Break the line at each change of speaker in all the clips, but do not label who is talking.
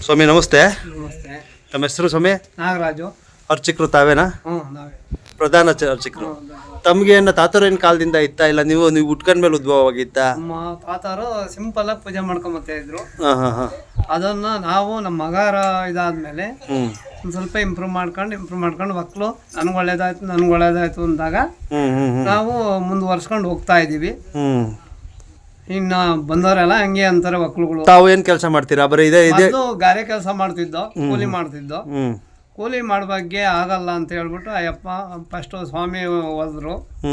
ಸ್ವಾಮಿ ನಮಸ್ತೆ.
ನಮಸ್ತೆ.
ತಮ್ಮ ಹೆಸರು ಸ್ವಾಮಿ?
ನಾಗರಾಜು.
ಅರ್ಚಕರು ತಾವೇನಾ?
ನಾವೇ
ಪ್ರಧಾನ ಅರ್ಚಕರು. ತಮ್ಗೆ ಏನು ತಾತರೇನು ಕಾಲದಿಂದ ಇತ್ತಾ ಇಲ್ಲ ನೀವು ಉಟ್ಕೊಂಡ್ಮೇಲೆ ಉದ್ಭವವಾಗಿತ್ತಾ?
ನಮ್ಮ ತಾತಾರು ಸಿಂಪಲ್ ಆಗಿ ಪೂಜೆ ಮಾಡ್ಕೊಂಬತ್ತಾ ಇದ್ರು. ಅದನ್ನ ನಾವು ನಮ್ಮ ಮಗಾರ ಇದಾದ್ಮೇಲೆ ಒಂದ್ ಸ್ವಲ್ಪ ಇಂಪ್ರೂವ್ ಮಾಡ್ಕೊಂಡು ಮಕ್ಕಳು ನನ್ಗೆ ಒಳ್ಳೇದಾಯ್ತು ಅಂದಾಗ ನಾವು ಮುಂದುವರ್ಸ್ಕೊಂಡು ಹೋಗ್ತಾ ಇದೀವಿ. ಇನ್ನ ಬಂದವರೆಲ್ಲ ಹಂಗೆ ಅಂತಾರೆ ಮಕ್ಳುಗಳು.
ತಾವು ಏನ್ ಕೆಲಸ ಮಾಡ್ತೀರಾ? ಬರೀ ಇದೆ
ಗಾರೆ ಕೆಲಸ ಮಾಡ್ತಿದ್ದೋ, ಕೂಲಿ ಮಾಡ್ತಿದ್ದೋ. ಕೂಲಿ ಮಾಡ್ಬಗ್ಗೆ ಆಗಲ್ಲ ಅಂತ ಹೇಳ್ಬಿಟ್ಟು ಅಯ್ಯಪ್ಪ ಫಸ್ಟ್ ಸ್ವಾಮಿ ಹೋದ್ರು.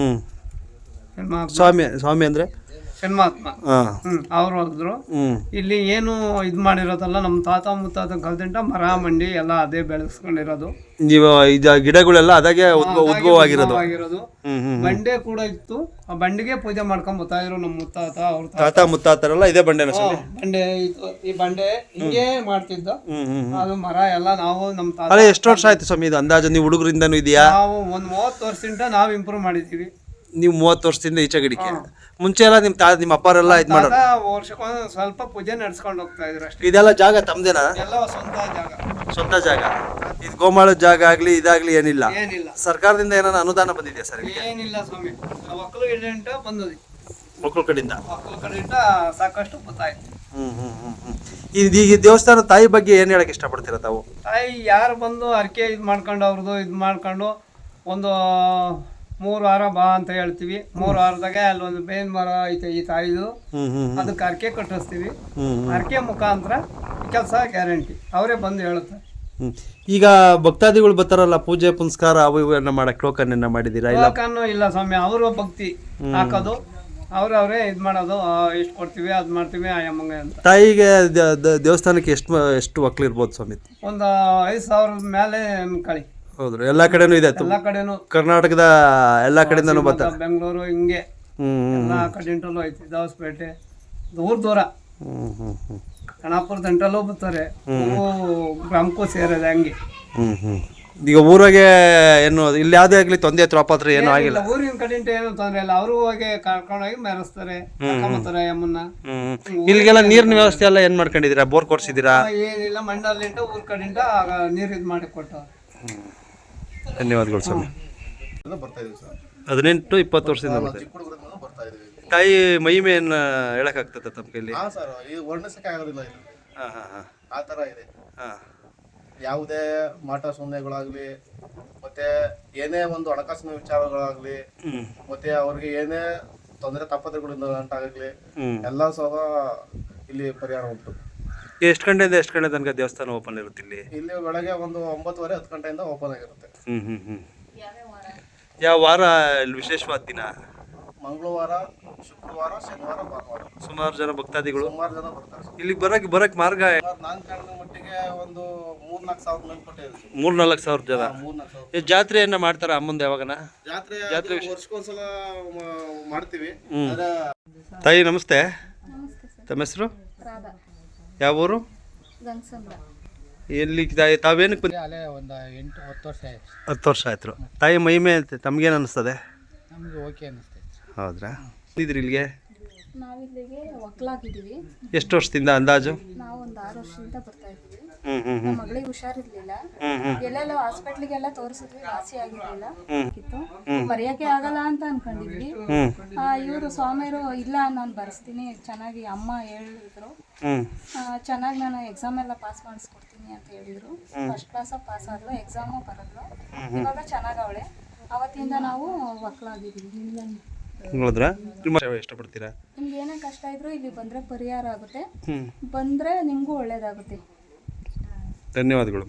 ಸ್ವಾಮಿ ಅಂದ್ರೆ ಹೆಣ್ಮಾತ್ಮ. ಅವ್ರು ಹೋದ್ರು. ಇಲ್ಲಿ ಏನು ಇದ್ ಮಾಡಿರೋದಲ್ಲ, ನಮ್ಮ ತಾತ ಮುತ್ತಾತ ಕಲ್ತಿಂಟ ಮರ ಮಂಡಿ ಎಲ್ಲ ಅದೇ ಬೆಳೆಸ್ಕೊಂಡಿರೋದು.
ನೀವು ಗಿಡಗಳೆಲ್ಲ ಅದಾಗೆ ಉದ್ಭವ ಆಗಿರೋದು.
ಬಂಡೆ ಕೂಡ ಇತ್ತು. ಆ ಬಂಡೆಗೆ ಪೂಜೆ ಮಾಡ್ಕೊಂಡ್ ಬರ್ತಾ ಇದ್ರು ನಮ್ಮ ಮುತ್ತಾತ. ಅವ್ರ
ತಾತ ಮುತ್ತಾತರೆಲ್ಲ ಇದೇ ಬಂಡೆ
ಬಂಡೆ ಇತ್ತು. ಈ ಬಂಡೆ ಹಿಂಗೆ ಮಾಡ್ತಿದ್ದ. ಅದು ಮರ ಎಲ್ಲ ನಾವು ನಮ್ಮ ತಾತ.
ಎಷ್ಟು ವರ್ಷ ಆಯ್ತು ಸ್ವಾಮಿ ಇದು ಅಂದಾಜು? ನೀವು ಹುಡುಗರಿಂದನೂ ಇದೆಯಾ?
ನಾವು ಒಂದ್ 30 ವರ್ಷದಿಂದ ನಾವು ಇಂಪ್ರೂವ್ ಮಾಡಿದೀವಿ.
ನೀವು 30 ವರ್ಷದಿಂದ ಈಚೆ ಗಿಡಕ್ಕೆ ಮುಂಚೆ ಎಲ್ಲ ನಿಮ್ಮ ಅಪ್ಪರೆಲ್ಲ ಇದು ಮಾಡೋದು?
ವರ್ಷಕ್ಕೊಂದು ಸ್ವಲ್ಪ ಪೂಜೆ ನಡ್ಸ್ಕೊಂಡು ಹೋಗ್ತಾ ಇದ್ರು ಅಷ್ಟೇ.
ಇದೆಲ್ಲ ಜಾಗ ತಮ್ದೇನಾ?
ಎಲ್ಲ
ಸ್ವಂತ ಜಾಗ. ಇದು ಗೋಮಾಳದ ಜಾಗ ಆಗ್ಲಿ ಇದಾಗ್ಲಿ ಏನಿಲ್ಲ?
ಏನಿಲ್ಲ.
ಸರ್ಕಾರದಿಂದ ಏನಾನ ಅನುದಾನ ಬಂದಿದೆಯಾ ಸರ್?
ಏನಿಲ್ಲ ಸ್ವಾಮಿ. ಮಕ್ಕಳು ಇಡೆಂಟ ಬಂದದಿ.
ಮಕ್ಕಳ ಕಡೆಯಿಂದ
ಸಾಕಷ್ಟು ಗೊತ್ತಾಯ್ತು.
ಈಗ ದೇವಸ್ಥಾನ ತಾಯಿ ಬಗ್ಗೆ ಏನ್ ಹೇಳಕ್ ಇಷ್ಟಪಡ್ತೀರಾ ತಾವು?
ತಾಯಿ ಯಾರು ಬಂದು ಅರ್ಕೆ ಇದು ಮಾಡ್ಕೊಂಡು ಒಂದು 3 ವಾರ ಬಾ ಅಂತ ಹೇಳ್ತೀವಿ. 3 ವಾರದಾಗೆ ಅಲ್ಲೊಂದು ಬೇವಿನ ಮರ ಐತೆ ಈ ತಾಯಿದು. ಅದಕ್ಕೆ ಅರ್ಕೆ ಕಟ್ಟಿಸ್ತೀವಿ. ಅರ್ಕೆ ಮುಖಾಂತರ ಕೆಲಸ ಗ್ಯಾರಂಟಿ. ಅವರೇ ಬಂದು ಹೇಳುತ್ತಾರೆ.
ಈಗ ಭಕ್ತಾದಿಗಳು ಬರ್ತಾರಲ್ಲ, ಪೂಜೆ ಪುನಸ್ಕಾರ ಅವು ಇವನ್ನ ಮಾಡಕ್ ಟೋಕನ್ ಮಾಡಿದೀರಾ?
ಇಲ್ಲ ಸ್ವಾಮಿ, ಅವರು ಭಕ್ತಿ ಹಾಕೋದು, ಅವ್ರವ್ರೇ ಇದ್ ಮಾಡೋದು. ಇಷ್ಟು ಕೊಡ್ತೀವಿ ಅದ್ ಮಾಡ್ತೀವಿ ಆಯಮ್ಮಂಗೆ ಅಂತ.
ತಾಯಿಗೆ ದೇವಸ್ಥಾನಕ್ಕೆ ಎಷ್ಟು ಮಕ್ಳು ಇರ್ಬೋದು ಸ್ವಾಮಿ?
ಒಂದು 5,000 ಮೇಲೆ ಕಳಿ.
ಹೌದು, ಎಲ್ಲಾ ಕಡೆನೂ ಇದೆ.
ಎಲ್ಲಾ ಕಡೆನೂ
ಕರ್ನಾಟಕದ ಎಲ್ಲಾ ಕಡೆಯಿಂದನೂ ಬರ್ತಾರೆ.
ಬೆಂಗಳೂರು ಹಿಂಗೆ ಎಲ್ಲಾ ಕಡೆಂಟಲ್ಲೂ ಐತಿ. ದಾವಸ್ಪೇಟೆ ದೂರ ಕಣಾಪುರ ದಂಟಲ್ಲೂ ಬರ್ತಾರೆ. ಗ್ರಾಮಕ್ಕೂ ಸೇರಿದೆ ಹಂಗೆ.
ಈಗ ಊರಾಗೆ ಏನು ಇಲ್ಲಿ ಯಾವ್ದೇ ಆಗ್ಲಿ ತೊಂದರೆ ತ್ರಾಪಾತ್ರ ಏನೂ ಆಗಿಲ್ಲ.
ಊರಿನ ಕಡೆಂಟ ಏನು ತೊಂದರೆ ಇಲ್ಲ. ಅವರು ಹೋಗಿ ಕರ್ಕೊಂಡೋಗಿ ಮೆರೆಸ್ತಾರೆ, ಕರ್ಕೊಂಬತ್ತಾರೆ ಅಮ್ಮನ್ನ.
ಇಲ್ಲಿಗೆಲ್ಲ ನೀರಿನ ವ್ಯವಸ್ಥೆ ಎಲ್ಲ ಏನ್ ಮಾಡ್ಕೊಂಡಿದೀರಾ? ಬೋರ್ ಕೊಡ್ಸಿದೀರಾ?
ಏನಿಲ್ಲ, ಮಂಡಲಿಂದ ಊರ್ ಕಡೆಂಟ ನೀರು ಇದು ಮಾಡಿ ಕೊಟ್ಟು.
ಧನ್ಯವಾದಗಳು ಸ್ವಾಮಿ. 18-20 ವರ್ಷದಿಂದ ಬರ್ತಾರೆ. ತಾಯಿ ಮಹಿಮೆಯನ್ನ ಹೇಳಕ್ಕಾಗ್ತದ ತಮ್ಮ ಕೈಲಿ?
ವರ್ಣಿಸಕ್ಕೆ ಆಗೋದಿಲ್ಲ. ಆ ಥರ ಇದೆ. ಯಾವುದೇ ಮಾಟ ಸೊನ್ನೆಗಳಾಗ್ಲಿ, ಮತ್ತೆ ಏನೇ ಒಂದು ಹಣಕಾಸಿನ ವಿಚಾರಗಳಾಗ್ಲಿ, ಮತ್ತೆ ಅವ್ರಿಗೆ ಏನೇ ತೊಂದರೆ ತಾಪತ್ರೆಗಳಿಂದ ಉಂಟಾಗಲಿ ಎಲ್ಲ ಸಹ ಇಲ್ಲಿ ಪರಿಹಾರ ಉಂಟು.
ಎಷ್ಟು ಗಂಟೆಯಿಂದ ಎಷ್ಟು ಗಂಟೆ ತನಕ ದೇವಸ್ಥಾನ ಓಪನ್ ಇರುತ್ತೆ ಇಲ್ಲಿ?
ಇಲ್ಲಿ ಬೆಳಗ್ಗೆ ಒಂದು 9:30-10 ಗಂಟೆಯಿಂದ ಓಪನ್ ಆಗಿರುತ್ತೆ.
ಯಾವ ವಾರ ವಿಶೇಷವಾದ ದಿನ?
ಮಂಗಳವಾರ, ಶುಕ್ರವಾರ, ಶನಿವಾರ, ಭಾನುವಾರ.
ಸುಮಾರು ಜನ ಭಕ್ತಾದಿಗಳು
ಬರ್ತಾರೆ.
ಇಲ್ಲಿಗೆ ಬರಕ್ ಮಾರ್ಗ?
ನಾನು ಕಾಣದ ಮಟ್ಟಿಗೆ ಒಂದು 3-4 ಸಾವಿರ ಮೇಲ್ಪಟ್ಟೆ ಇದೆ.
3-4 ಸಾವಿರ ಜನ.
3-4 ಸಾವಿರ.
ಜಾತ್ರೆಯನ್ನ ಮಾಡ್ತಾರ ಅಮ್ಮಂದು ಯಾವಾಗನ?
ಜಾತ್ರೆ ವರ್ಷಕ್ಕೊಂದ್ಸಲ ಮಾಡ್ತೀವಿ.
ತಾಯಿ ನಮಸ್ತೆ. ತಮ್ಮ ಹೆಸರು? ಯಾವ ಊರು? ಎಲ್ಲಿ ತಾವೇನಕ್ಕೆ ಬಂದ? 10 ವರ್ಷ ಆಯ್ತು. ತಾಯಿ ಮಹಿಮೆ ತಮ್ಗೇನು ಅನಿಸ್ತದೆ? ಹೌದ್ರಾ? ಇದ್ರಿ ಇಲ್ಲಿಗೆ
ನಾವಿಲ್ಲಿಗೆ ಒಕ್ಕಲಾಗಿದ್ದೀವಿ.
ಎಷ್ಟು ವರ್ಷದಿಂದ ಅಂದಾಜು?
ನಾವು ಒಂದು 6 ವರ್ಷದಿಂದ ಬರ್ತಾ ಇದ್ದೀವಿ. ನಮ್ಮ ಮಗಳಿಗೆ ಹುಷಾರಿರ್ಲಿಲ್ಲ. ಎಲ್ಲೆಲ್ಲ ಹಾಸ್ಪಿಟ್ಲಿಗೆಲ್ಲ ತೋರಿಸಿದ್ವಿ, ವಾಸಿ ಆಗಿರ್ಲಿಲ್ಲ. ಬರೆಯಕ್ಕೆ ಆಗಲ್ಲ ಅಂತ ಅನ್ಕೊಂಡಿದ್ವಿ. ಇವರು ಸ್ವಾಮಿಯರು ಇಲ್ಲ ನಾನು ಬರ್ಸ್ತೀನಿ, ಚೆನ್ನಾಗಿ ಅಮ್ಮ ಹೇಳಿದ್ರು, ಚೆನ್ನಾಗಿ ನಾನು ಎಕ್ಸಾಮ್ ಎಲ್ಲ ಪಾಸ್ ಮಾಡಿಸ್ಕೊಡ್ತೀನಿ ಅಂತ ಹೇಳಿದ್ರು. ಫಸ್ಟ್ ಕ್ಲಾಸ್ ಪಾಸ್ ಆದ್ಲು, ಎಕ್ಸಾಮು ಬರದ್ಲು. ಇವಾಗ ಚೆನ್ನಾಗವಳೆ. ಅವತ್ತಿಂದ ನಾವು ಒಕ್ಕಲಾಗಿದ್ದೀವಿ.
ಇಷ್ಟಪಡ್ತೀರಾ?
ನಿಮ್ಗೆ ಏನೇ ಕಷ್ಟ ಇದ್ರು ಇಲ್ಲಿ ಬಂದ್ರೆ ಪರಿಹಾರ ಆಗುತ್ತೆ. ಬಂದ್ರೆ ನಿಮ್ಗೂ ಒಳ್ಳೇದಾಗುತ್ತೆ.
ಧನ್ಯವಾದಗಳು.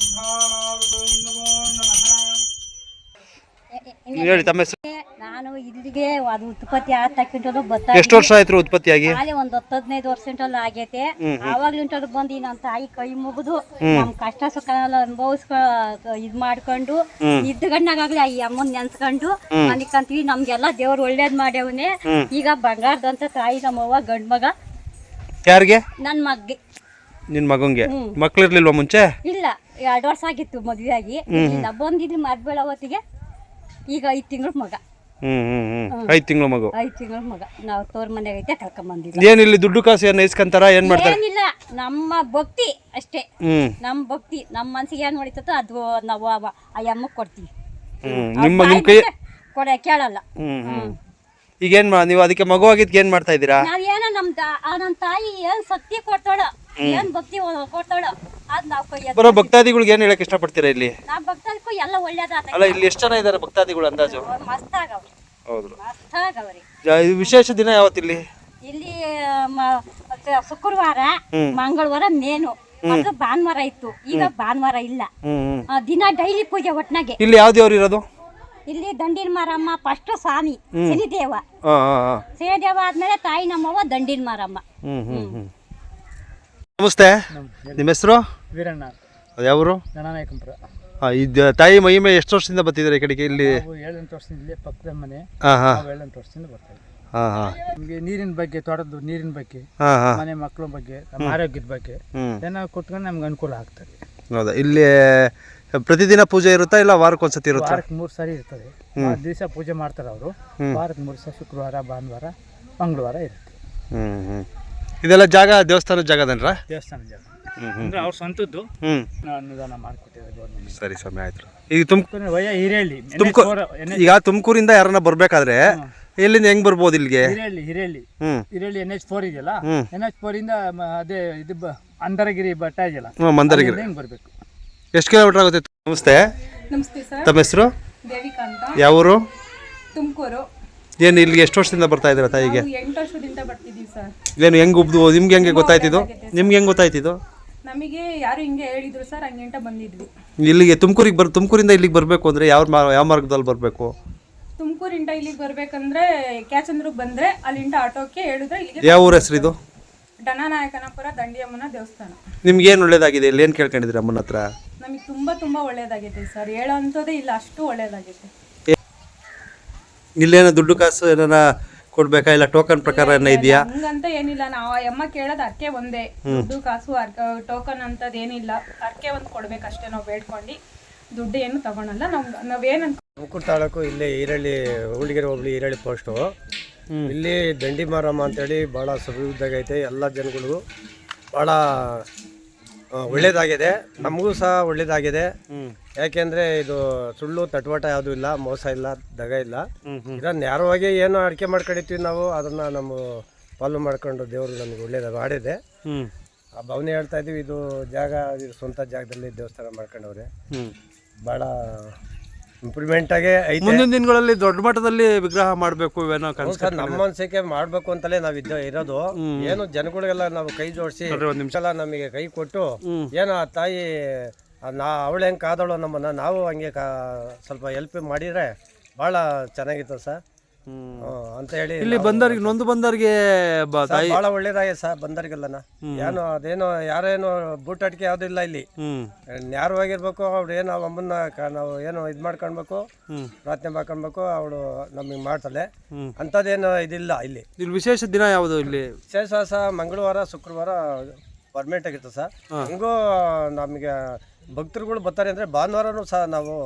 ಹೇಳಿ ತಮ್ಮ ಹೆಸರು?
ನಾನು ಇಲ್ಲಿಗೆ ಅದು ಉತ್ಪತ್ತಿ ಆಗ್ತಕ್ಕಿಂತ ಬತ್ತ
ಎಷ್ಟು ವರ್ಷ ಆಯ್ತು ಉತ್ಪತ್ತಿಯಾಗಿ?
ಹಾಲೆ ಒಂದ್ 10-15 ವರ್ಷ ಆಗೈತೆ. ಆವಾಗ್ಲಿಂಟದ್ದು ಬಂದು ನಮ್ಮ ತಾಯಿ ಕೈ ಮುಗಿದು ನಮ್ ಕಷ್ಟ ಸುಖ ಎಲ್ಲ ಇದ್ ಮಾಡ್ಕೊಂಡು ಇದ್ದಗಣ್ಣಾಗ್ಲಿ ಈ ಅಮ್ಮನ್ ನೆನ್ಸ್ಕೊಂಡು ಅನ್ಕಂತೀವಿ. ನಮ್ಗೆಲ್ಲ ದೇವ್ರು ಒಳ್ಳೇದ್ ಮಾಡ್ಯವನೆ. ಈಗ ಬಂಗಾರದಂತ ತಾಯಿ ನಮ್ಮವ್ವ ಗಂಡ್ ಮಗ.
ಯಾರಿಗೆ?
ನನ್ ಮಗ್ಗೆ.
ನಿನ್ ಮಗಂಗೆ ಮಕ್ಳು ಇರ್ಲಿಲ್ವಾ ಮುಂಚೆ?
ಇಲ್ಲ, 2 ವರ್ಷ ಆಗಿತ್ತು ಮದ್ವೆ ಆಗಿ. ಇಲ್ಲ ಬಂದಿದ್ವಿ ಮದ್ಬೇಳ ಹೊತ್ತಿಗೆ. ಈಗ 5 ತಿಂಗಳ ಮಗ.
5 ತಿಂಗಳ ಮಗು.
5 ತಿಂಗಳ ಮಗ. ನಾವು ತೋರ್ ಮನೆಗೆ ಐತೆ ಕರ್ಕೊಂಡ್ ಬಂದಿಲ್ಲ.
ಏನ್ ಇಲ್ಲಿ ದುಡ್ಡು ಕಾಸು ಏನ್ ಇಸ್ಕಂತಾರ ಏನ್ ಮಾಡ್ತಾರೆ?
ಏನಿಲ್ಲ, ನಮ್ಮ ಭಕ್ತಿ ಅಷ್ಟೇ. ನಮ್ ಭಕ್ತಿ ನಮ್ ಮನ್ಸಿಗೆ ಏನ್ ಹೊಡಿತೋ ಅದು ನಾವು ಆ ಅಮ್ಮಗ್ ಕೊಡ್ತೀವಿ.
ನಿಮ್ ಕೈ
ಕೇಳಲ್ಲ.
ಈಗೇನ್ ನೀವು ಅದಕ್ಕೆ ಮಗು ಆಗಿದ್ ಏನ್ ಮಾಡ್ತಾ ಇದೀರಾ?
ನಾವೇನೋ ನಮ್ ತಾಯಿ ಏನ್ ಶಕ್ತಿ ಕೊಡ್ತಾಳ, ಏನ್ ಭಕ್ತಿ ಕೊಡ್ತಾಳ ಅದ್ ನಾವ್ ಕೈ
ಬರೋ ಭಕ್ತಾದಿಗಳಿಗೆ ಏನ್ ಹೇಳಕ್ ಇಷ್ಟಪಡ್ತೀರಾ ಇಲ್ಲಿ?
ನಾವ್ ಭಕ್ತದಕ್ಕೂ ಎಲ್ಲ ಒಳ್ಳೇದಾತ.
ಅಲ್ಲ ಇಲ್ಲಿ ಎಷ್ಟು ಜನ ಇದಾರೆ ಭಕ್ತಾದಿಗಳು ಅಂದಾಜು?
ಮಸ್ತ್ ಆಗವ್ರಿ.
ಹೌದು,
ಮಸ್ತ್ ಆಗವ್ರಿ.
ವಿಶೇಷ ದಿನ ಯಾವತ್ತಿಲ್ಲಿ?
ಇಲ್ಲಿ ಶುಕ್ರವಾರ, ಮಂಗಳವಾರ ಮೇನು, ಮತ್ತು ಭಾನುವಾರ ಇತ್ತು. ಈಗ ಭಾನುವಾರ ಇಲ್ಲ. ದಿನ ಡೈಲಿ ಪೂಜೆ ಒಟ್ನಾಗೆ.
ಇಲ್ಲಿ ಯಾವ ದೇವ್ರು ಇರೋದು?
ಇಲ್ಲಿ ದಂಡಿನ ಮಾರಮ್ಮ ಫಸ್ಟ್ ಸ್ವಾಮಿ ಶನಿದೇವ. ಶನಿದೇವ ಆದ್ಮೇಲೆ ತಾಯಿ ನಮ್ಮವ್ವ ದಂಡಿನ ಮಾರಮ್ಮ.
ನಮಸ್ತೆ, ನಿಮ್ಮ ಹೆಸರು?
ವೀರಣ್ಣ.
ಯಾವರು?
ಜನನಾಯಕಂಪುರ.
ತಾಯಿ ಮಹಿಮೆ ಎಷ್ಟು ವರ್ಷದಿಂದ ಬರ್ತಿದ್ದಾರೆ ಈ ಕಡೆಗೆ? ಇಲ್ಲಿ
7-8 ವರ್ಷದಿಂದ ಇಲ್ಲೇ ಪಕ್ಕದ ಮನೆ. 7-8 ವರ್ಷದಿಂದ ಬರ್ತಾ ಇದ್ದೀವಿ. ನಮಗೆ ನೀರಿನ ಬಗ್ಗೆ, ತೋಟದ ನೀರಿನ ಬಗ್ಗೆ, ಮನೆ ಮಕ್ಕಳ ಬಗ್ಗೆ, ನಮ್ಮ ಆರೋಗ್ಯದ ಬಗ್ಗೆ ಏನೋ ಕೊಟ್ಕೊಂಡು ನಮ್ಗೆ ಅನುಕೂಲ ಆಗ್ತದೆ.
ಹೌದಾ? ಇಲ್ಲಿ ಪ್ರತಿದಿನ ಪೂಜೆ ಇರುತ್ತಾ ಇಲ್ಲ ವಾರಕ್ಕೊಂದ್ಸತಿ ಇರುತ್ತಾ?
ವಾರಕ್ಕೆ 3 ಸಾರಿ ಇರ್ತದೆ. ದಿವಸ ಪೂಜೆ ಮಾಡ್ತಾರೆ ಅವರು. ವಾರಕ್ಕೆ 3 ಸಲ, ಶುಕ್ರವಾರ, ಭಾನುವಾರ, ಮಂಗಳವಾರ ಇರುತ್ತೆ.
ಇದೆಲ್ಲ ಜಾಗ ದೇವಸ್ಥಾನದ ಜಾಗದನ್ರ?
ದೇವಸ್ಥಾನ ಜಾಗ ಅಂದ್ರೆ ಅವ್ರ ಸ್ವಂತದ್ದು. ಅನುದಾನ ಮಾಡಿಕೊಟ್ಟಿದ್ದಾರೆ ಗೌರ್ಮೆಂಟ್.
ಸರಿ, ಸಮಯ ಆಯ್ತು. ಈಗ ತುಮಕೂರು
ಹಿರೇಹಳ್ಳಿ,
ಈಗ ತುಮಕೂರಿಂದ ಯಾರನ್ನ ಬರ್ಬೇಕಾದ್ರೆ ಎಲ್ಲಿಂದ ಹೆಂಗ್ ಬರ್ಬೋದು ಇಲ್ಲಿಗೆ?
ಹಿರೇಹಳ್ಳಿ NH4 ಇದೆಯಲ್ಲ, NH4 ಇಂದ ಅದೇ ಇದು ಅಂಧರಗಿರಿ ಬೆಟ್ಟ ಇದೆಯಲ್ಲ,
ಮಂದರಗಿರಿ
ಹೆಂಗ್ ಬರ್ಬೇಕು.
ಎಷ್ಟು ಕಿಲೋಮೀಟರ್ ಆಗುತ್ತೆ? ನಮಸ್ತೆ.
ನಮಸ್ತೆ ಸರ್.
ತಮ್ಮ ಹೆಸರು?
ದೇವಿಕಾ ಅಂತ.
ಯಾವೂರು?
ತುಮಕೂರು.
ಏನು ಇಲ್ಲಿಗೆ ಎಷ್ಟು ವರ್ಷದಿಂದ ಬರ್ತಾ ಇದ್ದೀರಾ ತಾಯಿಗೆ?
8 ವರ್ಷದಿಂದ ಬರ್ತಿದ್ದೀವಿ ಸರ್.
ಏನು ಹೆಂಗ್ ಉಬ್ದು ನಿಮ್ಗೆ ಹೆಂಗೆ ಗೊತ್ತಾಯ್ತಿದ್ದು? ನಿಮ್ಗೆ ಹೆಂಗೆ ಗೊತ್ತಾಯ್ತಿದ್ದು?
ನಮಗೆ ಯಾರು ಹಿಂಗೆ ಹೇಳಿದ್ರು ಸರ್, ಹಂಗಂಟ ಬಂದಿದ್ವಿ
ಇಲ್ಲಿಗೆ. ತುಮಕೂರಿಂದ ಇಲ್ಲಿಗೆ ಬರಬೇಕು ಅಂದರೆ ಯಾವ ಮಾರ್ಗದಲ್ಲಿ ಬರಬೇಕು?
ತುಮಕೂರಿಂದ ಇಲ್ಲಿಗೆ ಬರ್ಬೇಕಂದ್ರೆ ಕ್ಯಾಚಂದ್ರಿಗೆ ಬಂದ್ರೆ ಅಲ್ಲಿಂದ ಆಟೋಕ್ಕೆ ಹೇಳಿದ್ರೆ ಇಲ್ಲಿಗೆ.
ಯಾವ ಊರ ಹೆಸರು ಇದು?
ಡನನಾಯಕನಪುರ ದಂಡಿಯಮ್ಮನ ದೇವಸ್ಥಾನ.
ನಿಮ್ಗೆ ಏನು ಒಳ್ಳೇದಾಗಿದೆ ಇಲ್ಲಿ? ಏನು ಕೇಳ್ಕೊಂಡಿದ್ರಿ ಅಮ್ಮನ ಹತ್ರ?
ನಮಗೆ ತುಂಬಾ ಒಳ್ಳೇದಾಗೈತೆ ಸರ್. ಹೇಳೋ ಅಂಥದ್ದೇ ಇಲ್ಲ, ಅಷ್ಟು ಒಳ್ಳೇದಾಗೈತೆ.
ಇಲ್ಲೇನೋ ದುಡ್ಡು ಕಾಸು ಏನಾರ ಕೊಡ್ಬೇಕಾ ಇಲ್ಲ ಟೋಕನ್ ಪ್ರಕಾರ ಏನೋ ಇದೆಯಾ?
ಹಂಗಂತ ಏನಿಲ್ಲ. ನಾವು ಅಮ್ಮ ಕೇಳೋದು ಅರ್ಕೆ ಒಂದೇ, ದುಡ್ಡು ಕಾಸು ಟೋಕನ್ ಅಂತದ್ ಏನಿಲ್ಲ. ಅರ್ಕೆ ಒಂದು ಕೊಡ್ಬೇಕಷ್ಟೇ. ನಾವು ಬೇಡ್ಕೊಂಡು ದುಡ್ಡು ಏನು ತಗೊಳಲ್ಲ. ನಾವೇನಂತ
ತುಮಕೂರು ತಾಲೂಕು ಇಲ್ಲೇ ಈರಳ್ಳಿ, ಹುಳಿಗೆರೆ ಹೋಬಳಿ ಈರಳ್ಳಿ ಪೋಸ್ಟು. ಇಲ್ಲಿ ದಂಡಿ ಮಾರಮ್ಮ ಅಂತೇಳಿ ಭಾಳ ಸಮೃದ್ಧವಾಗೈತೆ. ಎಲ್ಲ ಜನಗಳಿಗೂ ಭಾಳ ಒಳ್ಳೇದಾಗಿದೆ, ನಮಗೂ ಸಹ ಒಳ್ಳೇದಾಗಿದೆ. ಯಾಕೆಂದರೆ ಇದು ಸುಳ್ಳು ತಟ್ವಾಟ ಯಾವುದೂ ಇಲ್ಲ, ಮೋಸ ಇಲ್ಲ, ದಗ ಇಲ್ಲ. ಇದನ್ನು ನೇರವಾಗಿ ಏನು ಅಡಿಕೆ ಮಾಡ್ಕೊಂಡಿರ್ತೀವಿ ನಾವು, ಅದನ್ನು ನಮ್ಮ ಫಾಲೋ ಮಾಡ್ಕೊಂಡು ದೇವರು ನಮಗೆ ಒಳ್ಳೇದು ಮಾಡಿದೆ. ಆ ಭಾವನೆ ಹೇಳ್ತಾ ಇದ್ದೀವಿ. ಇದು ಜಾಗ, ಇದು ಸ್ವಂತ ಜಾಗದಲ್ಲಿ ದೇವಸ್ಥಾನ ಮಾಡ್ಕೊಂಡವ್ರೆ. ಭಾಳ ಇಂಪ್ರೂವ್ಮೆಂಟ್ ಆಗಿ ಐತೆ.
ಮುಂದಿನ ದಿನಗಳಲ್ಲಿ ದೊಡ್ಡ ಮಟ್ಟದಲ್ಲಿ ವಿಗ್ರಹ ಮಾಡಬೇಕು ಇವೇನೋ ಕನಸು.
ನಮ್ಮ ಮನಸ್ಸಿಗೆ ಮಾಡಬೇಕು ಅಂತಲೇ ನಾವು ಇರೋದು. ಏನು ಜನಗಳಿಗೆಲ್ಲ ನಾವು ಕೈ ಜೋಡಿಸಿ ನಿಮಿಷ ನಮಗೆ ಕೈ ಕೊಟ್ಟು ಏನೋ ಆ ತಾಯಿ ಅವಳು ಹೆಂಗೆ ಕಾದಳು ನಮ್ಮನ್ನ, ನಾವು ಹಂಗೆ ಸ್ವಲ್ಪ ಹೆಲ್ಪ್ ಮಾಡಿದರೆ ಭಾಳ ಚೆನ್ನಾಗಿತ್ತು ಸರ್ ಅಂತ ಹೇಳಿ.
ಇಲ್ಲಿ ಬಂದವ್ರಿಗೆ, ನೊಂದು ಬಂದವ್ರಿಗೆ
ಭಾಳ ಒಳ್ಳೇದಾಗಿದೆ ಸರ್. ಬಂದವ್ರಿಗೆಲ್ಲನ ಏನು ಅದೇನೋ ಯಾರೇನೋ ಬೂಟಾಟಿಕೆ ಯಾವುದೂ ಇಲ್ಲ ಇಲ್ಲಿ. ನ್ಯಾರವಾಗಿರ್ಬೇಕು. ಅವ್ರು ಏನು ಅಮ್ಮನ್ನ ನಾವು ಏನೋ ಇದು ಮಾಡ್ಕೊಳ್ಬೇಕು, ಪ್ರಾರ್ಥನೆ ಮಾಡ್ಕೊಳ್ಬೇಕು, ಅವಳು ನಮಗೆ ಮಾಡ್ತಾಳೆ. ಅಂಥದ್ದೇನು ಇದಿಲ್ಲ ಇಲ್ಲಿ.
ಇಲ್ಲಿ ವಿಶೇಷ ದಿನ ಯಾವುದು? ಇಲ್ಲಿ
ವಿಶೇಷ ಸಹ ಮಂಗಳವಾರ, ಶುಕ್ರವಾರ ಪರ್ಮನೆಂಟ್ ಆಗಿರ್ತದೆ ಸರ್. ಹಂಗೂ ನಮಗೆ ಭಕ್ತರುಗಳು ಬರ್ತಾರೆ ಅಂದರೆ ಭಾನುವಾರನೂ ಸಹ ನಾವು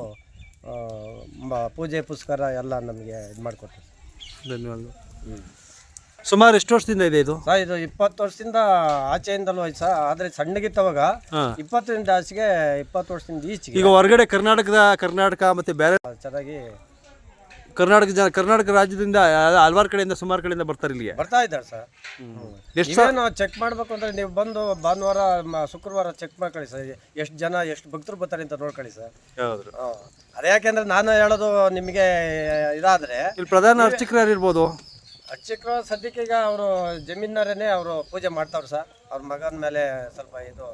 ಪೂಜೆ ಪುಸ್ಕಾರ ಎಲ್ಲ ನಮಗೆ ಇದು ಮಾಡಿಕೊಡ್ತೀವಿ.
ಧನ್ಯವಾದ. ಸುಮಾರು ಎಷ್ಟು ವರ್ಷದಿಂದ ಇದೆ ಇದು?
ಸರ್ ಇದು 20 ವರ್ಷದಿಂದ ಆಚೆಯಿಂದಲೂ ಆಯ್ತು ಸರ್. ಆದರೆ ಸಣ್ಣಗಿತ್ತವಾಗ 20ರಿಂದ ಆಚೆಗೆ 20 ವರ್ಷದಿಂದ ಈಚೆಗೆ.
ಈಗ ಹೊರಗಡೆ ಕರ್ನಾಟಕ ಮತ್ತು ಬೇರೆ
ಚೆನ್ನಾಗಿ
ಕರ್ನಾಟಕ ರಾಜ್ಯದಿಂದ ಹಲವಾರು ಕಡೆಯಿಂದ, ಸುಮಾರು ಕಡೆಯಿಂದ ಬರ್ತಾರೆ ಇಲ್ಲಿಗೆ.
ಬರ್ತಾ ಇದ್ದಾರೆ ಸರ್. ಎಷ್ಟು ಚೆಕ್ ಮಾಡಬೇಕು ಅಂದರೆ ನೀವು ಬಂದು ಭಾನುವಾರ, ಶುಕ್ರವಾರ ಚೆಕ್ ಮಾಡ್ಕೊಳ್ಳಿ ಸರ್. ಎಷ್ಟು ಜನ, ಎಷ್ಟು ಭಕ್ತರು ಬರ್ತಾರೆ ಅಂತ ನೋಡ್ಕೊಳ್ಳಿ ಸರ್. ಅದೇ ಯಾಕೆಂದ್ರೆ ನಾನು ಹೇಳೋದು ನಿಮಗೆ ಇದಾದರೆ,
ಇಲ್ಲಿ ಪ್ರಧಾನ ಅರ್ಚಕರು ಯಾರು ಇರ್ಬೋದು?
ಅರ್ಚಕರು ಸದ್ಯಕ್ಕೆ ಈಗ ಅವರು ಜಮೀನವರೇನೆ ಅವರು ಪೂಜೆ ಮಾಡ್ತಾವ್ರು ಸರ್. ಅವ್ರ ಮಗನ ಮೇಲೆ ಸ್ವಲ್ಪ ಇದು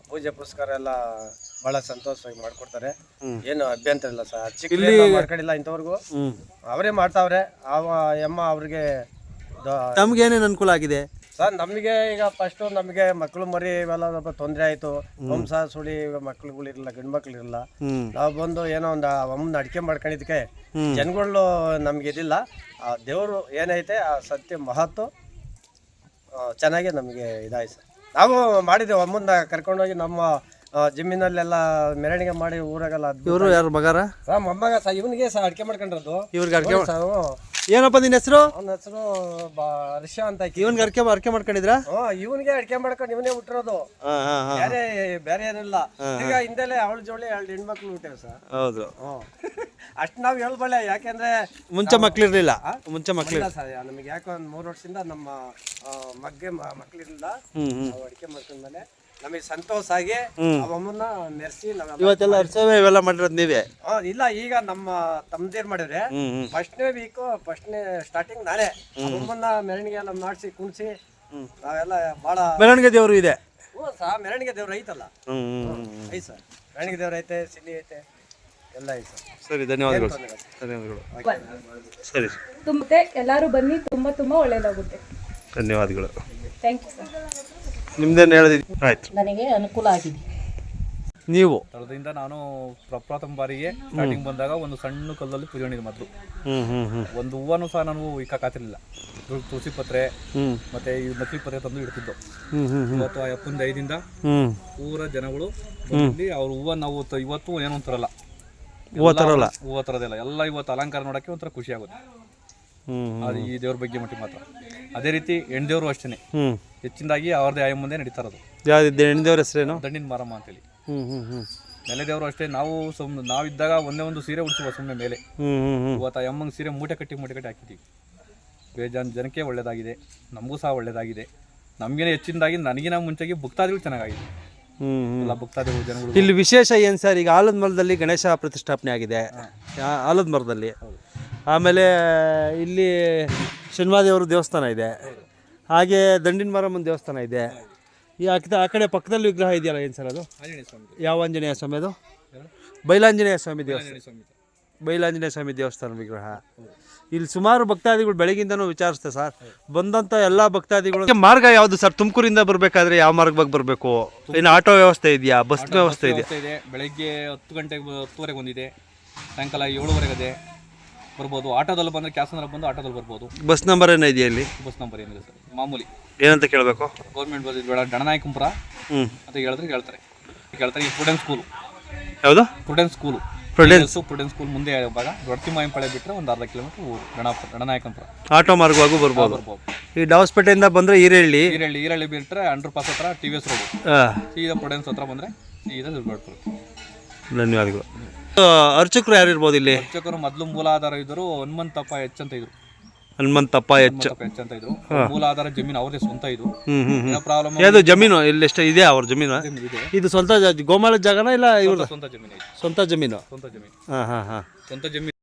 ಪೂಜೆ ಪುರಸ್ಕಾರ ಎಲ್ಲ ಭಾಳ ಸಂತೋಷವಾಗಿ ಮಾಡ್ಕೊಡ್ತಾರೆ. ಏನು ಅಭ್ಯಂತರ ಇಲ್ಲ ಸರ್. ಚಿಕ್ಕ ಮಾಡ್ಕೊಂಡಿಲ್ಲ ಇಂಥವ್ರಿಗೂ, ಅವರೇ ಮಾಡ್ತಾವ್ರೆ. ಅಮ್ಮ ಅವ್ರಿಗೆ
ತಮ್ಗೆ ಏನೇನು ಅನುಕೂಲ ಆಗಿದೆ
ಸರ್? ನಮಗೆ ಈಗ ಫಸ್ಟು ನಮಗೆ ಮಕ್ಕಳು ಮರಿ ಇವೆಲ್ಲ ಸ್ವಲ್ಪ ತೊಂದರೆ ಆಯಿತು. ವಂಶ ಸುಳಿ ಮಕ್ಳುಗಳಿರಲಿಲ್ಲ, ಗಂಡು ಮಕ್ಳು ಇರಲಿಲ್ಲ. ನಾವು ಬಂದು ಏನೋ ಒಂದು ಅಮ್ಮನ ಅಡಿಕೆ ಮಾಡ್ಕೊಂಡಿದ್ದಕ್ಕೆ ಜನಗಳು ನಮ್ಗೆ ಇದಿಲ್ಲ. ಆ ದೇವರು ಏನೈತೆ ಆ ಸತ್ಯ ಮಹತ್ವ ಚೆನ್ನಾಗಿ ನಮಗೆ ಇದಾಯ್ತು ಸರ್. ನಾವು ಮಾಡಿದ್ದೇವೆ, ಅಮ್ಮನ್ನ ಕರ್ಕೊಂಡೋಗಿ ನಮ್ಮ ಜಮೀನಲ್ಲೆಲ್ಲ ಮೆರವಣಿಗೆ ಮಾಡಿ ಊರಾಗೆಲ್ಲ.
ಇವರು ಯಾರು ಮಗಾರ?
ಮೊಮ್ಮಗ ಸಹ ಇವನಿಗೆ ಸಹ ಅಡಿಕೆ ಮಾಡ್ಕೊಂಡಿರೋದು.
ಇವ್ರಿಗೆ ಅಡಿಕೆ ಏನಪ್ಪ ನಿನ್ನ ಹೆಸರು?
ಅವನ ಹೆಸರು ಹರ್ಷ ಅಂತ.
ಇವನ್ಗೆ ಅಡಿಕೆ ಮಾಡ್ಕೊಂಡಿದ್ರಾ?
ಇವನಿಗೆ ಅಡಿಕೆ ಮಾಡ್ಕೊಂಡು ಇವನೇ ಹುಟ್ಟಿರೋದು, ಬೇರೆ ಏನಿಲ್ಲ. ಈಗ ಹಿಂದೆಲೆ ಅವಳ ಜೋಳಿ 2 ಹೆಣ್ಮಕ್ಳು ಹುಟ್ಟಿವೆ ಸರ್.
ಹೌದು.
ಅಷ್ಟು ನಾವು ಹೇಳ್ಬಳ್ಳೆ, ಯಾಕೆಂದ್ರೆ
ಮುಂಚೆ ಮಕ್ಳಿರ್ಲಿಲ್ಲ.
ಸರ್ ನಮಗೆ ಯಾಕೆ ಒಂದು 3 ವರ್ಷದಿಂದ ನಮ್ಮ ಮಕ್ಳಿರ್ಲಿಲ್ಲ. ನಾವು ಅಡಿಕೆ ಮಾಡ್ಕೊಂಡ್ಮೇಲೆ ನಮಗೆ ಸಂತೋಷ ಆಗಿ ಅವಮ್ಮನ್ನ ಮೆರೆಸಿ
ಇವತ್ತೆಲ್ಲ ಅರ್ಸವೆ ಇವೆಲ್ಲ ಮಾಡಿರೋದು ನೀವೇ?
ಇಲ್ಲ, ಈಗ ನಮ್ಮ ತಮ್ಮದೇರ್ ಮಾಡಿದ್ರೆ ಫಸ್ಟ್ನೇ ವೀಕು ಫಸ್ಟ್ನೇ ಸ್ಟಾರ್ಟಿಂಗ್ ನಾನೇ ಅವಮ್ಮನ್ನ ಮೆರವಣಿಗೆ ಎಲ್ಲ ಮಾಡಿಸಿ ಕುಣಿಸಿ ನಾವೆಲ್ಲ ಭಾಳ.
ಮೆರವಣಿಗೆ ದೇವರು ಇದೆ?
ಸಹ ಮೆರವಣಿಗೆ ದೇವ್ರು ಐತಲ್ಲ. ಐತೆ ಸರ್, ಮೆರವಣಿಗೆ ದೇವ್ರು ಐತೆ, ಸಿನಿ ಐತೆ, ಎಲ್ಲ ಐತೆ ಸರ್.
ಸರಿ, ಧನ್ಯವಾದಗಳು. ಸರಿ,
ಮತ್ತೆ ಎಲ್ಲರೂ ಬನ್ನಿ, ತುಂಬಾ ತುಂಬಾ ಒಳ್ಳೇದಾಗುತ್ತೆ.
ಧನ್ಯವಾದಗಳು.
Thank you sir.
ನಿಮ್ದೇನು ಹೇಳಿದ್ರಿ? ಆಯ್ತು,
ನನಗೆ ಅನುಕೂಲ ಆಗಿದೆ.
ನೀವು
ಸ್ಥಳದಿಂದ ನಾನು ಪ್ರಪ್ರಥಮ ಬಾರಿಗೆ ಸ್ಟಾರ್ಟಿಂಗ್ ಬಂದಾಗ ಒಂದು ಸಣ್ಣ ಕಲ್ಲಲ್ಲಿ ಪೂಜೆ ಮಾಡಿದ್ದು ಮೊದಲು. ಒಂದು ಹೂವನ್ನು ಸಹ ನಾನು ಇಕ್ಕಾತಿರ್ಲಿಲ್ಲ. ತುಳಸಿ ಪತ್ರೆ ಮತ್ತೆ ಈ ನಕಲಿ ಪತ್ರೆ ತಂದು ಇಡ್ತಿದ್ದು. ಇವತ್ತು ಆ ಅಪ್ಪನ ಐದಿಂದ ಪೂರ ಜನಗಳು ಬಂದು ಅವ್ರ ಹೂವು ನಾವು ಇವತ್ತು ಏನೋ ಒಂಥರಲ್ಲ, ಹೂವು ತರೋದಿಲ್ಲ ಎಲ್ಲ ಇವತ್ತು ಅಲಂಕಾರ ನೋಡೋಕ್ಕೆ ಒಂಥರ ಖುಷಿ ಆಗುತ್ತೆ. ಅದು ಈ ದೇವ್ರ ಬಗ್ಗೆ ಮಟ್ಟಿಗೆ ಮಾತ್ರ. ಅದೇ ರೀತಿ ಹೆಣ್ದೇವ್ರು ಅಷ್ಟೇ ಹೆಚ್ಚಿನದಾಗಿ ಅವ್ರದ್ದೇ ಆಯ ಮುಂದೆ ನಡೀತಾ ಇರೋದು.
ಹೆಣ್ದೇವ್ರ ಹೆಸರೇನು?
ದಂಡಿನ ಮಾರಮ್ಮ ಅಂತೇಳಿ. ನೆಲೆದೇವರು ಅಷ್ಟೇ. ನಾವು ನಾವಿದ್ದಾಗ ಒಂದೇ ಒಂದು ಸೀರೆ ಉಡಿಸುವ ಸುಮ್ಮನೆ ಮೇಲೆ. ಇವತ್ತು ಆ ಅಮ್ಮಂಗೆ ಸೀರೆ ಮೂಟೆ ಕಟ್ಟಿ ಹಾಕಿದ್ದೀವಿ. ಬೇಜಾನ್ ಜನಕ್ಕೆ ಒಳ್ಳೇದಾಗಿದೆ, ನಮಗೂ ಸಹ ಒಳ್ಳೇದಾಗಿದೆ. ನಮಗೇನೆ ಹೆಚ್ಚಿನದಾಗಿ ನನಗಿನ ಮುಂಚೆಗೆ ಭಕ್ತಾದಿಗಳು ಚೆನ್ನಾಗಿದೆ. ಎಲ್ಲ ಭಕ್ತಾದಿಗಳು ಜನಗಳು.
ಇಲ್ಲಿ ವಿಶೇಷ ಏನು ಸರ್? ಈಗ ಆಲದ ಮರದಲ್ಲಿ ಗಣೇಶ ಪ್ರತಿಷ್ಠಾಪನೆ ಆಗಿದೆ, ಆಲದ ಮರದಲ್ಲಿ. ಆಮೇಲೆ ಇಲ್ಲಿ ಶನಿವಾದೇವ್ರ ದೇವಸ್ಥಾನ ಇದೆ, ಹಾಗೆ ದಂಡಿನ ಮಾರಮ್ಮನ ದೇವಸ್ಥಾನ ಇದೆ. ಈ ಆ ಕಡೆ ಪಕ್ಕದಲ್ಲಿ ವಿಗ್ರಹ ಇದೆಯಲ್ಲ, ಏನು ಸರ್ ಅದು? ಯಾವ ಆಂಜನೇಯ ಸ್ವಾಮಿ ಅದು? ಬೈಲಾಂಜನೇಯ ಸ್ವಾಮಿ ದೇವಸ್ಥಾನ. ಬೈಲಾಂಜನೇಯ ಸ್ವಾಮಿ ದೇವಸ್ಥಾನ ವಿಗ್ರಹ. ಇಲ್ಲಿ ಸುಮಾರು ಭಕ್ತಾದಿಗಳು ಬೆಳಗಿಂದನೂ ವಿಚಾರಿಸ್ತೆ ಸರ್. ಬಂದಂಥ ಎಲ್ಲ ಭಕ್ತಾದಿಗಳು ಮಾರ್ಗ ಯಾವುದು ಸರ್? ತುಮಕೂರಿಂದ ಬರಬೇಕಾದ್ರೆ ಯಾವ ಮಾರ್ಗವಾಗಿ ಬರಬೇಕು? ಇನ್ನು ಆಟೋ ವ್ಯವಸ್ಥೆ ಇದೆಯಾ, ಬಸ್ ವ್ಯವಸ್ಥೆ ಇದೆ?
ಬೆಳಗ್ಗೆ 10 ಗಂಟೆಗೆ 10ವರೆಗೆ ಒಂದಿದೆ, ಸಾಯಂಕಾಲ 7ವರೆಗೆ ಇದೆ, ಬರ್ಬೋದು. ಆಟೋದಲ್ಲಿ ಬಂದರೆ ಕ್ಯಾಸಂದ್ರ ಬಂದು ಆಟೋದಲ್ಲಿ ಬರ್ಬೋದು.
ಬಸ್ ನಂಬರ್ ಏನೋ ಇದೆಯಾ ಇಲ್ಲಿ?
ಬಸ್ ನಂಬರ್ ಏನಿದೆ ಸರ್, ಮಾಮೂಲಿ.
ಏನಂತ ಕೇಳಬೇಕು?
ಗೌರ್ಮೆಂಟ್ ಬಸ್ ಬೇಡ, ಡಣನಾಯಕಂಪುರ ಅಂತ ಹೇಳ್ತಾರೆ. ಈ ಸ್ಟೂಡೆಂಟ್ ಸ್ಕೂಲು
ಯಾವುದು?
Student school. ಸ್ಟೂಡೆಂಟ್ ಸ್ಕೂಲ್ ಮುಂದೆ ಭಾಗ ದೊಡ್ಡತಿಮಾಯಂಪಳೆ ಬಿಟ್ಟರೆ ಒಂದು ಅರ್ಧ ಕಿಲೋಮೀಟರ್ ಊರು ಡಣನಾಯಕಂಪುರ.
ಆಟೋ ಮಾರ್ಗವಾಗೂ ಬರ್ಬೋದು. ಈ ಡಾವಸ್ಪೇಟೆಯಿಂದ ಬಂದರೆ
ಈರಳ್ಳಿ ಬಿಟ್ಟರೆ ಅಂಡರ್ ಪಾಸ್ ಹತ್ರ TVS ರೋಡು, ಸೀದಾ ಸ್ಟೂಡೆಂಟ್ಸ್ ಹತ್ರ ಬಂದರೆ ಸೀದಾ ದುರ್ಗಾಡ್ಪುರ.
ಧನ್ಯವಾದಗಳು. ಅರ್ಚಕರು ಯಾರು ಇರ್ಬೋದು ಇಲ್ಲಿ?
ಅರ್ಚಕರು ಮೊದಲು ಮೂಲಾಧಾರ ಇದ್ದರು ಹನುಮಂತಪ್ಪ ಎಚ್ ಅಂತ ಇದ್ರು.
ಹನುಮಂತಪ್ಪ ಎಚ್ ಅಂತ
ಇದ್ರು. ಮೂಲಾಧಾರ ಜಮೀನು ಅವ್ರದೇ ಸ್ವಂತ ಇದು. ಪ್ರಾಬ್ಲಮ್
ಯಾವುದು ಜಮೀನು? ಇಲ್ಲಿ ಎಷ್ಟು ಇದೆ ಅವ್ರ ಜಮೀನು? ಇದು ಸ್ವಂತ ಗೋಮಾಳ ಜಾಗನ ಇಲ್ಲ ಇವ್ರ
ಸ್ವಂತ ಜಮೀನು?
ಸ್ವಂತ ಜಮೀನು.
ಸ್ವಂತ ಜಮೀನು.
ಹಾಂ ಹಾಂ ಹಾಂ,
ಸ್ವಂತ ಜಮೀನು.